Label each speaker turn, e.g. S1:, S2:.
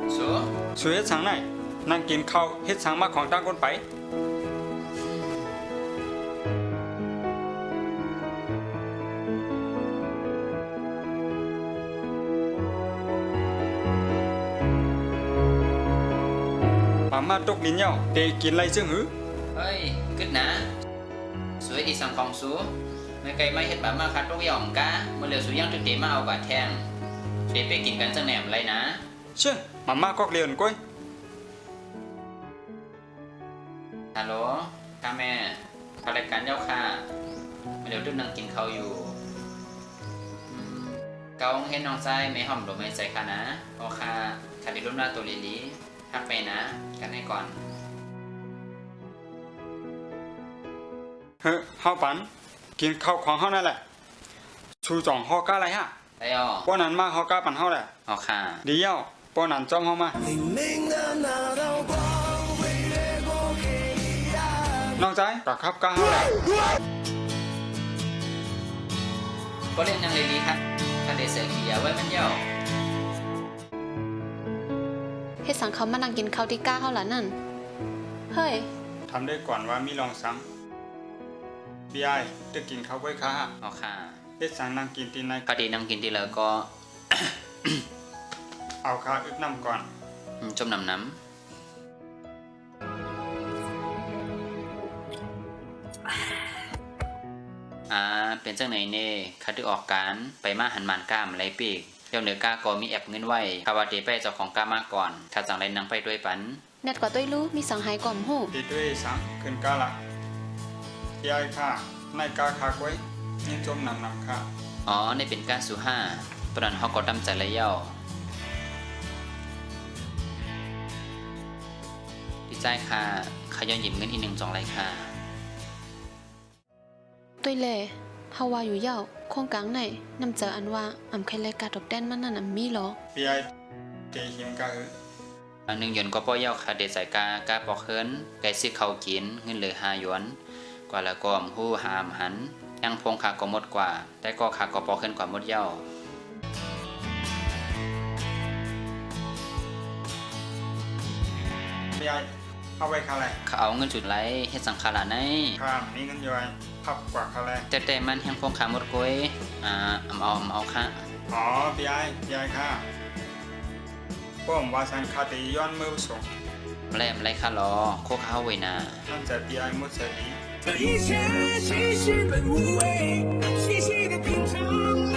S1: สู
S2: สูเฮ็ดสังไหนนั่งกินข้าวเฮ็ดสังมาของต่างคนไปมาตกลิ้นเหย้าเตกินไรซึ่งหือ
S1: เฮ้ยกึดนะสวยดีสังของสูไม่ไกลไม่เฮ็ดแบบมาคัดตกย่องกะเมื่อเหลียวสูยังตึกเตมาเอาบาดแทงเดี๋ยวไปกินกันจังแหนมไรนะ
S2: เชื่อมาก็เรียนก้อย
S1: ฮัลโหลค่ะแม่ขารายการเจ้าค่ะเดี๋ยวตึกนั่งกินข้าวอยู่เกาเห็นน้องชายไม่หอมดอกไม้ใส่ค่ะนะโอค่ะขัดดีรุ่นหน้าตัวลีพักไปนะกันให้ก่อน
S2: เฮ้เฮาปันกินข้าวของเฮานั่นแหละชูจ่องเฮาก้าไรฮะ
S1: ได้อ๋อ
S2: ป้อนั้นมาเฮาก้าปันเฮาแหละ
S1: อ๋อค่ะ
S2: ดีเย้าป้อนั้นจอมเฮามานอกใจกับครับก้าเฮาแหละ
S1: ก็เล่นยังเลยดีครับถ้าได้เสียขี้ยาไว้มันเย่า
S3: เฮ็ดสังเขามานั่งกินข้าวที่ก้าเขาล่ะนั่นเฮ้ย
S2: ทำได้ก่อนว่ามีลองซ้ำพี่ไอ้จะกินข้าวไว้ค่ะ
S1: อ๋อค่ะ
S2: เฮ็ดสังนั่งกินตีใน
S1: พอดีนั่งกินทีแล้วก็
S2: เอาข้าวอึกน้ำก่อน
S1: จมน้ำเป็นจังไหนเน่คัดดึกออกการไปมาหันมันก้ามไรปีกเดี๋ยวเหนือกล้าก็มีแอบเงินไว้คาวาเดไปเจ้าของก้ามาก่อนถ้าจังไรนั่งไปด้วยปัน
S3: เน็ตกว่าต้วยรู้มีสังหายก่อมหู
S2: ตีด้วยสังขึ้นก้าละพี่ไอ้ค่ะในก้าคากไว้นี่จมน้ำค่ะ
S1: อ๋อในเป็นก้าสุห้าปนันเขาก็ตั้งใจไรเย่าดีใจค่ะขย้อนหยิบเงินอีก1 2ไรค่ะ
S3: ต้วยเล่เฮาว่าอยู่เย้าโครงกลางไหนนำเจออันว่าอำใครรายการตบแดนมันนั่นมีหรอ
S2: พี่ไอ้เตหิมกะหือ
S1: 1 หยวนก็ป้อเย้าค่ะเดใส่กาปอกเฮินไก่ซื้อเขากินเงินเหลือ5 หยวนกว่าละกอมหู้หามหันยังพงขาก็หมดกว่าแต่ก็ขาก็ปอกเฮินกว่าหมดเย้า
S2: พี่ไอ้เอาไว้ค่ะไร
S1: เขาเอาเงินจุดไรเฮ็ดสังขารไหน
S2: ค่ะมีเงินย่อยพับกว่าค่ะไร
S1: แต่มันยังพงขาหมดก้อยเอาค่ะ
S2: อ๋อพี่ไอ้ค่ะป้อมว่าสันคาติย้อนมือส่ง
S1: แล่ไรค่ะรอโคข้าวไว้นา
S2: ท่านจะพี่ไอ้มุสดี
S4: 这一切其实本无味，细细的品尝。